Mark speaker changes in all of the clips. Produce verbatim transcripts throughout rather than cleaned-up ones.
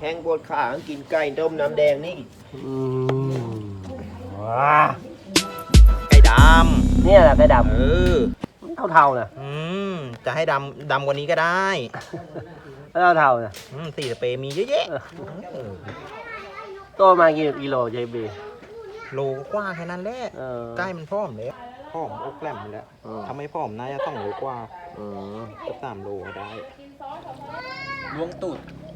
Speaker 1: แข้งปวดขากินไก่ต้มน้ำแดงนี่
Speaker 2: อืมว้า
Speaker 3: ไก่ดำ
Speaker 2: เนี่ยแหละไก่ด
Speaker 3: ำเออ
Speaker 2: เท่าๆนะ
Speaker 3: อืมจะให้ดำดำกว่านี้ก็ได้
Speaker 2: เท่าๆนะ
Speaker 3: อืมสี่สเปรย์มีเยอะแยะ
Speaker 2: ตัวมากี่กิโลเจบี
Speaker 3: โลกว่าแค่นั้นแหละใกล้มันพร้อมแล้วพร้อมอกแกล้มแล้วทำให้พร้อมน่าจะต้องโลกว่าก็สามโลได้ล้วงตูด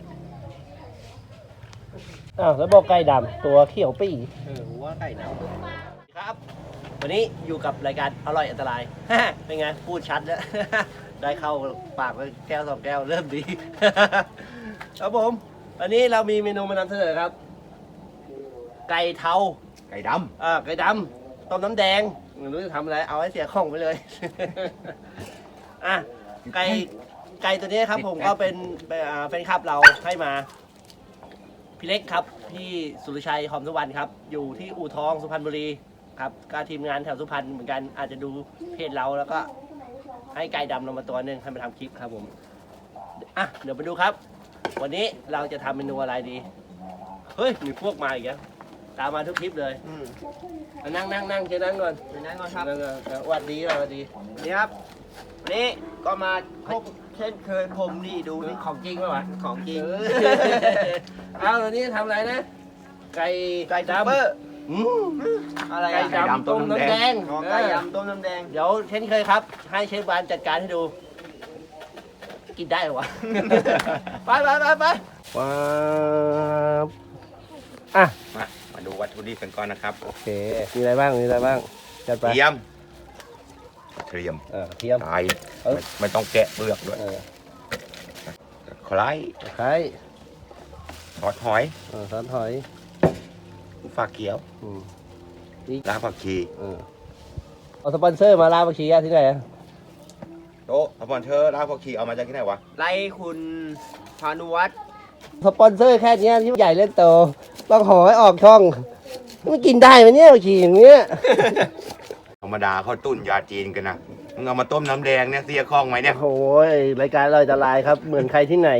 Speaker 2: อ้าวแล้วบอกไก่ดำตัวเขียวปี
Speaker 3: เออว่าไก่ดำ
Speaker 2: ครับวันนี้อยู่กับรายการอร่อยอันตรายเป็นไงพูดชัดแล้วได้เข้าปากไปแก้วสองแก้วเริ่มดีครับผมวันนี้เรามีเมนูมานำเสนอครับไก่เทา
Speaker 3: ไก่ดำ
Speaker 2: อ่าไก่ดำต้มน้ำแดงไม่รู้จะทำอะไรเอาให้เสียของไปเลยอ่ะไก่ไก่ตัวนี้ครับผมก็เป็นแฟนคลับเราให้มาพี่เล็กครับพี่สุรชัยหอมสุวรรณครับอยู่ที่อู่ทองสุพรรณบุรีครับก็ทีมงานแถวสุพรรณเหมือนกันอาจจะดูเพจเราแล้วก็ให้ไก่ดำลงมาตัวหนึ่งให้มาทำคลิปครับผมอ่ะเดี๋ยวไปดูครับวันนี้เราจะทำเมนูอะไรดีเฮ้ยมีพวกมาอีกแล้วตามมาทุกคลิปเลยนั่งนั่งนั่งเชิญนั่งก่อน
Speaker 1: นั่งก่อนครับ
Speaker 2: สวัสดีสวัสดี
Speaker 1: นี่ครับวันนี้ก็มาพบเช่นเคยผมนี่ดูนี่
Speaker 2: ของจริงป่ะวะ
Speaker 1: ของจริง
Speaker 2: เอาตอนนี้ทำอะไรนะไก่
Speaker 1: ไก่ดำ
Speaker 2: อะไรไก่ดำต้มน้ำแดง
Speaker 1: ไก่ดำต้มน้ำแดง
Speaker 2: เดี๋ยวเช่นเคยครับให้เชฟบานจัดการให้ดูกินได้หรอวะไปไปไปไปว้าวอ่ะ
Speaker 3: มามาดูวัตถุดิบกันก่อนนะครับ
Speaker 2: โอเคมีอะไรบ้างมีอะไรบ้างจัดไป
Speaker 3: เทียมเทียม
Speaker 2: เออเทียม
Speaker 3: ไก่ไม่ต้องแกะเปลือกด้วยคล้าย
Speaker 2: คล้าย
Speaker 3: ซอสหอย
Speaker 2: เออซอสหอย
Speaker 3: ฝาเขียวลาผักชี
Speaker 2: เอาสปอนเซอร์มาลาผักชีที่ไหน
Speaker 3: โต๊ะสปอนเซอร์ลาผักชีเอามาจากที่ไหนวะ
Speaker 1: ไล่คุณพานุวัฒน์
Speaker 2: สปอนเซอร์แค่นี้ที่ใหญ่เล่นโตต้องขอให้ออกช่องมันกินได้ไหมเนี่ยผักชีอย่างเงี้ย
Speaker 3: ธรรมดาเขาตุ้นยาจีนกันนะมึงเอามาต้มน้ำแดงเนี่ยเสียคล่องไหมเนี่ย
Speaker 2: โอ้ยรายการเราจะลายครับเหมือนใครที่ไหน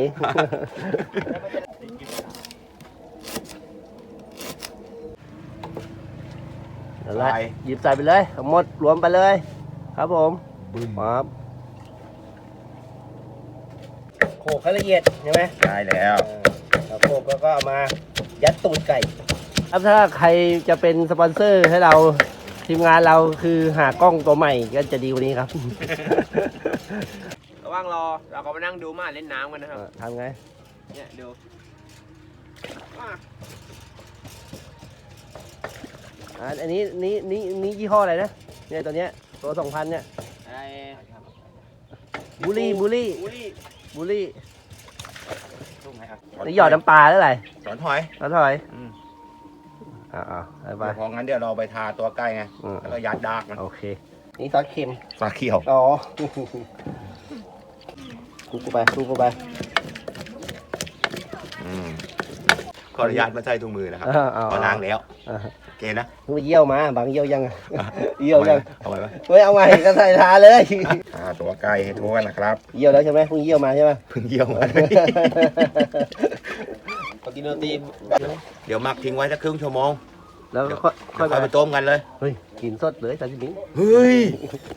Speaker 2: อะไรหยิบใส่ไปเลยหมดรวมไปเลยครับผมครับโขกให้ละเอียดใช่ไหม
Speaker 3: ได้แล้ว
Speaker 2: โขกแล้วก็เอามายัดตูดไก่ครับถ้าใครจะเป็นสปอนเซอร์ให้เราทีมงานเราคือหากล้องตัวใหม่ก็จะดีกว่านี้ครับ
Speaker 1: ระหว่างรอเราก็มานั่งดูมาเล่นน้ำกันนะครับ
Speaker 2: ทำไง
Speaker 1: เนี่ยดู
Speaker 2: อันนี้นี่นี่นี่ยี่ห้ออะไรนะเนี่ยตัวเนี้ยตัวสองพันเนี่ยบูลี่บูลี่บูลี่นี่หยอดน้ำปลาแล้วไร
Speaker 3: สอนหอย
Speaker 2: สอนหอยอ่าอ่าไป
Speaker 3: พองั้นเดี๋ยวเราไปทาตัวไก่ไงแล้วก็ยัดดากมัน
Speaker 2: โอเคนี่ซอสเค็ม
Speaker 3: ซอสเขียว
Speaker 2: อ๋อกูกูไปกูกูไป
Speaker 3: ขออนุญาตมาใส่ถุงมือนะครับพอล้างแล้วโอเคนะ
Speaker 2: มึงเยี่ยวมาบางเยี่ยวยังเยี่ยวยัง
Speaker 3: เอาไปไหม
Speaker 2: ไม่เอาใหม่ก็ใส่ทาเลย
Speaker 3: ทาตัวไก่ให้ทั่วนะครับ
Speaker 2: เยี่ยวแล้วใช่ไหมเพิ่งเยี่ยวมาใช่ไหม
Speaker 3: เพิ่งเยี่ยวมา
Speaker 1: ปกติโนตี
Speaker 3: เดี๋ยวหมักทิ้งไว้สักครึ่งชั่วโมง
Speaker 2: แล้ว
Speaker 3: ค่อยไปต้มกันเลย
Speaker 2: เฮ้ยกินสดเลยตอนนี้
Speaker 3: เฮ้ย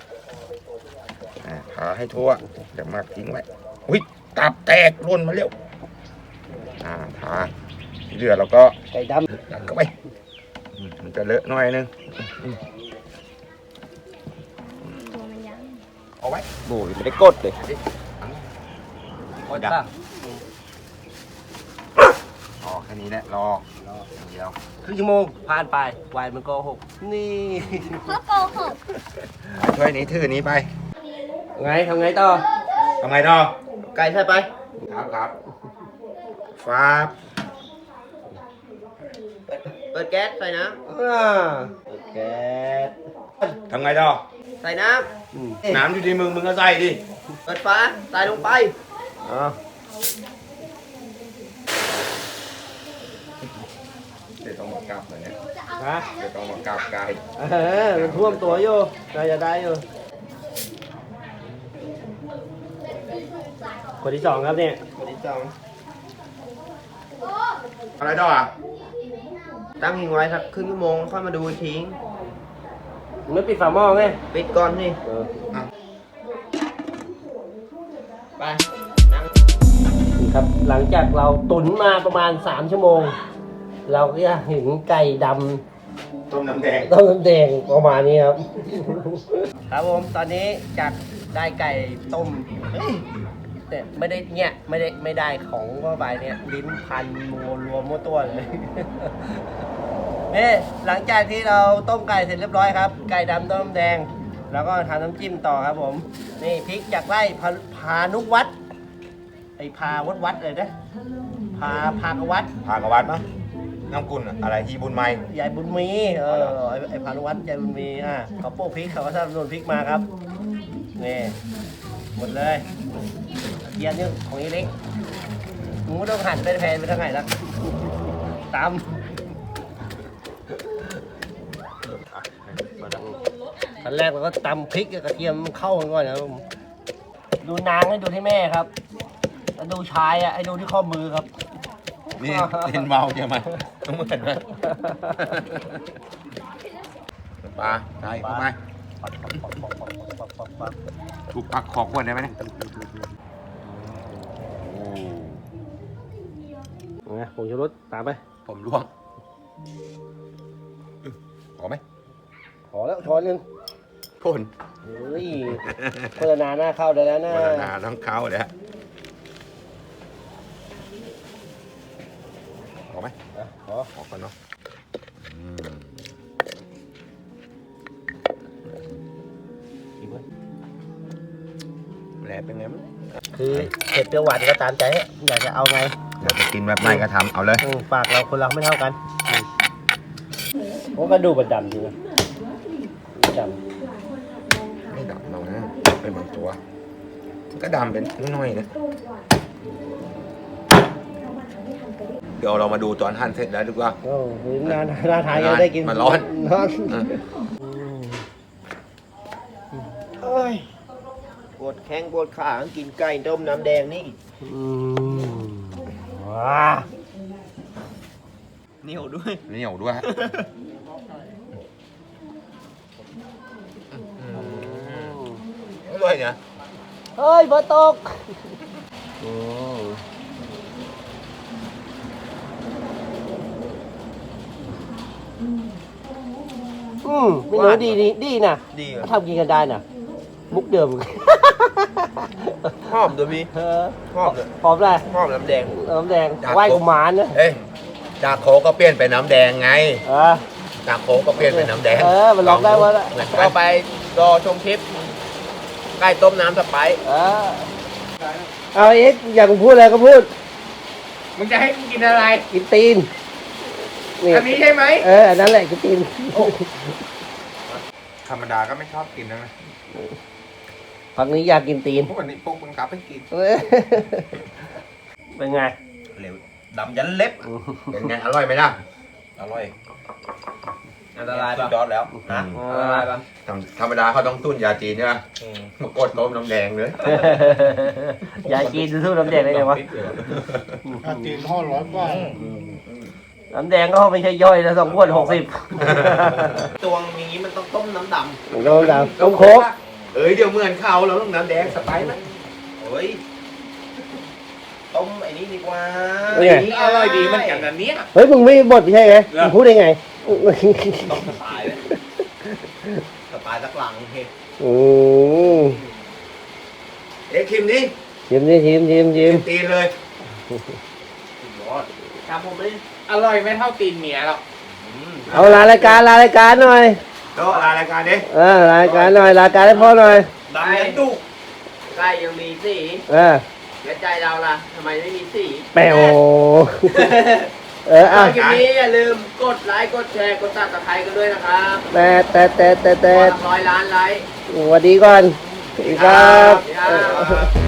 Speaker 3: ทาให้ทั่วเดี๋ยวหมักทิ้งไว้อุ้ยตับแตกร่นมาเร็วอ่าทาเดือดแล้วก็
Speaker 2: ไก่ด
Speaker 3: ำดันเข้าไปมันจะเลอะหน่อยนึงเอาไว้
Speaker 2: โอ้ยไม่ได้กดเลย
Speaker 3: กดดับอ๋อแค่นี้แหละรอรอเดียว
Speaker 2: ครึ่งชั่วโมงผ่านไปวายมันโกหกนี่
Speaker 4: เขาโกหก
Speaker 3: ช่วยนี้ถือนี้ไป
Speaker 2: ไงทำไงต่อ
Speaker 3: ทำไงต่อ
Speaker 2: ไก่ใช่ไป
Speaker 3: ครับครับฟ้า
Speaker 1: เปิดแก๊สใส่น้ำ
Speaker 2: เปิดแก๊ส
Speaker 3: ทำไงต่อ
Speaker 1: ใส่น้
Speaker 3: ำน้ำอยู่ที่มึงมึงก็ใส่ดิ
Speaker 1: เปิดฝาใส่ลงไป
Speaker 2: อ๋อ
Speaker 3: เดี๋ยวต้องมากราบหน่อยเนี่ย
Speaker 2: ฮะ
Speaker 3: เดี๋ยวต้องมากราบไก่
Speaker 2: เออมันท่วมตัวอยู่น่าจะได้อยู่คนที่สองครับเนี่ย
Speaker 1: คนที่สอง
Speaker 5: อะไรต่ออ่ะ
Speaker 1: ตั้งทิ้งไว้สักครึ่งชั่วโมงค่อยมาดูอีกที
Speaker 2: ไม่ปิดฝาหม้อไง
Speaker 1: ปิดก่อนนี่
Speaker 2: เออ
Speaker 1: ไปนั่ง
Speaker 2: นี่ครับหลังจากเราตุ๋นมาประมาณสามชั่วโมง เราก็จะเห็นไก่ดำ
Speaker 5: ต้มน้ำแดง
Speaker 2: ต้มน้ำแดงประมาณนี้ครับ ครับผมตอนนี้จากได้ไก่ต้มเอ้ยแต่ไม่ได้เนี่ยไม่ได้ไม่ได้ของเข้าไปเนี่ยลิ้นพันมัวรวมมั่วตัวเลย นี่หลังจากที่เราต้มไก่เสร็จเรียบร้อยครับ ไก่ดำต้มน้ำแดง แล้วก็ทำน้ำจิ้มต่อครับผม นี่พริกจากไร่พาพานุวัดไอพาวัดวัดเลยนะพาพากวัด
Speaker 5: พากวัดมั้งน้ำกุลอะไรฮีบุญไม้
Speaker 2: ยายบุญมีเออไอ้ไอ้พานุวัฒน์ยายบุญมีอ่ะเขาโป๊กพริกเขาก็สนับสนุนพริกมาครับนี่หมดเลยเยียนนี่ของอีเล็กมึงไม่ต้องหั่นเป็นแผ่นไปทางไหนละตามขั้นแรกเราก็ตำพริกกับกระเทียมเข้ากันก่อนนะครับผมดูนางให้ดูที่แม่ครับแล้วดูชายอ่ะให้ดูที่ข้อมือครับ
Speaker 5: นี่เล่นเมาใช่ไหมต้องเหมือนไหมปลาใช่เข้ามาถูกปักขอบขวดได้ไหมเนี่ยโอ้
Speaker 2: ไงผงชูรสตามไป
Speaker 5: ผมร่วงขอไหม
Speaker 2: ขอแล้วช้อนหนึง
Speaker 5: พ่น
Speaker 2: เฮ้ยโฆษณาหน้าเข้าได้แล้วนะ
Speaker 5: วัฒนาต้องเข้าเลยฮะขอไหม
Speaker 2: อ่ะขอ
Speaker 5: ขอก่อนเนาะอืม
Speaker 2: อีกไหม
Speaker 5: แหลเป็นไงมั้ง
Speaker 2: คือเผ็ดเปรี้ยวหวานก็ตามใจฮะอยากจะเอาไง
Speaker 5: อยากจะกินแบบไหนก็ทำเอาเลย
Speaker 2: อืมปากเราคนเราไม่เท่ากันเพราะกระดูกมันดำจริงนะด
Speaker 5: ไม่ดำเรานะเป็นบางตัวมันก็ดำเป็นน้อยๆนะเดี๋ยวเรามาดูตอนหั่นเสร็จแล้วดีกว่า
Speaker 2: ำโอ้โหน่าน่าทานยังได้กิน
Speaker 5: มันร้อน
Speaker 2: ร้อน
Speaker 5: เออ
Speaker 1: เอ้ยปวดแข้งปวดขากินไก่ต้มน้ำแดงนี่
Speaker 2: อืมว้า
Speaker 1: เหนียวด้วย
Speaker 5: เหนียวด้วยฮะอร่อยเนี่ย
Speaker 2: เฮ้ยฝนตกอืมอืมไม่รู้ดีดีดีนะ
Speaker 1: ดีเหรอ
Speaker 2: ทำกินกันได้น่ะ มุกเดิม
Speaker 1: หอมด้วยพี่
Speaker 2: เออ
Speaker 1: หอมเลย
Speaker 2: หอมอะไร
Speaker 1: หอมน้ำแดง
Speaker 2: น้ำแดงไหว้กุมารนะ
Speaker 5: เอ้ยจากโคกก็เปลี่ยนเป็นน้ำแดงไง
Speaker 2: เออ
Speaker 5: จากโคกก็เปลี่ยนเป็นน้ำแดง
Speaker 2: เออมันลองได้วะละ
Speaker 5: เหมือน
Speaker 1: ก็
Speaker 5: กัน
Speaker 1: ไปรอชมคลิปไก่ต้มน้ำสไปซ์
Speaker 2: เออเอาเอ็กอยากพูดอะไรก็พูด
Speaker 1: มึงจะให้กูกินอะไร
Speaker 2: กินตีนนี่
Speaker 1: อันนี้ใช่ไหม
Speaker 2: เอออันนั้นแหละกินตีน
Speaker 5: ธรรมดาก็ไม่ชอบกินนะ
Speaker 2: ฝั่งนี้อยากกินตีน
Speaker 5: พวกนี้พวกบังคับให้กิน
Speaker 2: เออเป็นไง
Speaker 5: เร็วดำยันเล็บเป็นไงอร่อยไหมล่ะอร่อย
Speaker 1: อันตราย
Speaker 5: สุ
Speaker 1: ปะ
Speaker 5: ดยอดแล้ว
Speaker 2: อ่า
Speaker 1: อันตรายปะ
Speaker 5: ธรรมธรรมดาเขาต้องตุ้นยาจีนใช่ไหมมากดต้มน้ำแดงเลย
Speaker 2: อยากกินสู้น้ำแดงได้ไงวะ
Speaker 6: อาจีนห้าร้อยกว่า
Speaker 2: น้ำแดงก็ไม่ใช่ย่อยนะสองขวดหกสิบ
Speaker 1: ตัวอย่างนี้มันต้องต้มน้ำด
Speaker 2: ต้มดำต้มโค้ก
Speaker 5: เอ้ยเดี๋ยวเหมือนเขาเราต้องน้ำแดงสไปซ์ไหม
Speaker 1: ำเฮ้ย ต้มไอ้นี่ดีกว่า
Speaker 2: เป็นไง
Speaker 1: อร่อยดีเหมือนกันนะเนี่ย
Speaker 2: เฮ้ยมึงไม่บดไม่ใช่ไงมึงพูดได้ไง
Speaker 1: ต้มสไตล์เลยสไตล์สักหลังเฮ้ย
Speaker 2: อืม
Speaker 5: เอ๊ะคิมนี่
Speaker 2: ชิมดิชิมชิมชิม
Speaker 5: ตีนเลย
Speaker 1: ทำผมไม่
Speaker 6: อร่อยไม่เท่าตีนเมียหรอก
Speaker 2: เอาลารายการลารายการหน่อย
Speaker 5: ก็ลารายการดิ
Speaker 2: เออรายการหน่อยรายการให้พ่อหน่อย
Speaker 1: ดำยันดุไก่ยังมีสี
Speaker 2: เออ
Speaker 1: แล้วใจเราล่ะทำไมไม่มีสี
Speaker 2: แปวเอออ่ะ
Speaker 1: คลิปนี้อย่าลืมกดไลค์กดแชร์กดติดตามกันด้วยนะครับ
Speaker 2: แต่แต่แต่แต่
Speaker 1: ข
Speaker 2: แต่
Speaker 1: อร้อยล้านไลค์
Speaker 2: สวัสดีก่อนสวัสดีครับ
Speaker 1: สวัสดีครับ